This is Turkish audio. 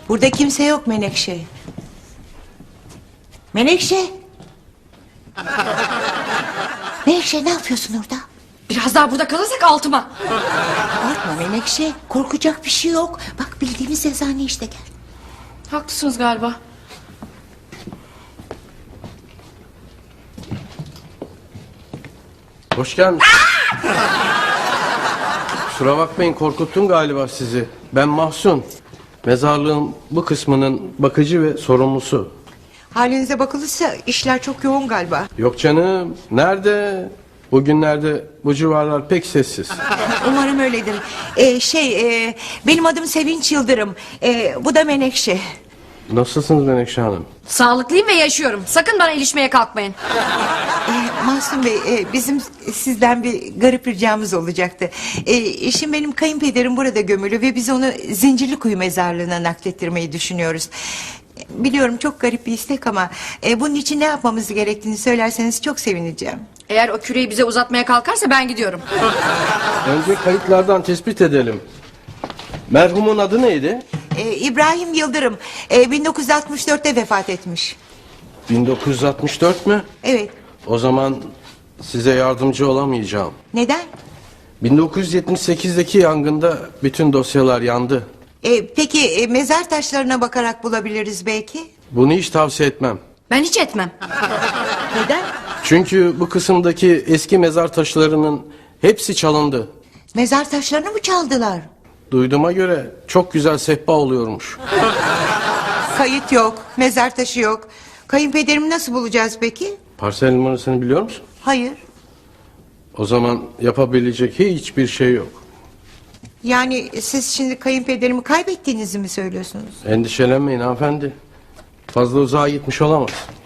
Burada kimse yok Menekşe. Menekşe. Menekşe, ne yapıyorsun orada? Biraz daha burada kalırsak altıma. Korkma Menekşe, korkacak bir şey yok. Bak, bildiğimiz eczane işte, gel. Haklısınız galiba. Hoş gelmiş. Kusura bakmayın, korkuttum galiba sizi. Ben Mahsun. Mezarlığın bu kısmının bakıcı ve sorumlusu. Halinize bakılırsa işler çok yoğun galiba. Yok canım, nerede? Bugünlerde bu civarlar pek sessiz. Umarım öyledir. Benim adım Sevinç Yıldırım. Bu da Menekşe. Nasılsınız Menekşe Hanım? Sağlıklıyım ve yaşıyorum. Sakın bana ilişmeye kalkmayın. Mahsun Bey, bizim sizden bir garip ricamız olacaktı. Şimdi benim kayınpederim burada gömülü ve biz onu Zincirlikuyu mezarlığına naklettirmeyi düşünüyoruz. Biliyorum çok garip bir istek ama bunun için ne yapmamız gerektiğini söylerseniz çok sevineceğim. Eğer o küreyi bize uzatmaya kalkarsa ben gidiyorum. Önce kayıtlardan tespit edelim. Merhumun adı neydi? İbrahim Yıldırım 1964'te vefat etmiş. 1964 mü? Evet. O zaman size yardımcı olamayacağım. Neden? 1978'deki yangında bütün dosyalar yandı. Peki mezar taşlarına bakarak bulabiliriz belki. Bunu hiç tavsiye etmem. Ben hiç etmem. Neden? Çünkü bu kısımdaki eski mezar taşlarının hepsi çalındı. Mezar taşlarını mı çaldılar? Duyduğuma göre çok güzel sehpa oluyormuş. Kayıt yok, mezar taşı yok. Kayınpederimi nasıl bulacağız peki? Parsel numarasını biliyor musun? Hayır. O zaman yapabilecek hiçbir şey yok. Yani siz şimdi kayınpederimi kaybettiğinizi mi söylüyorsunuz? Endişelenmeyin hanımefendi. Fazla uzağa gitmiş olamaz.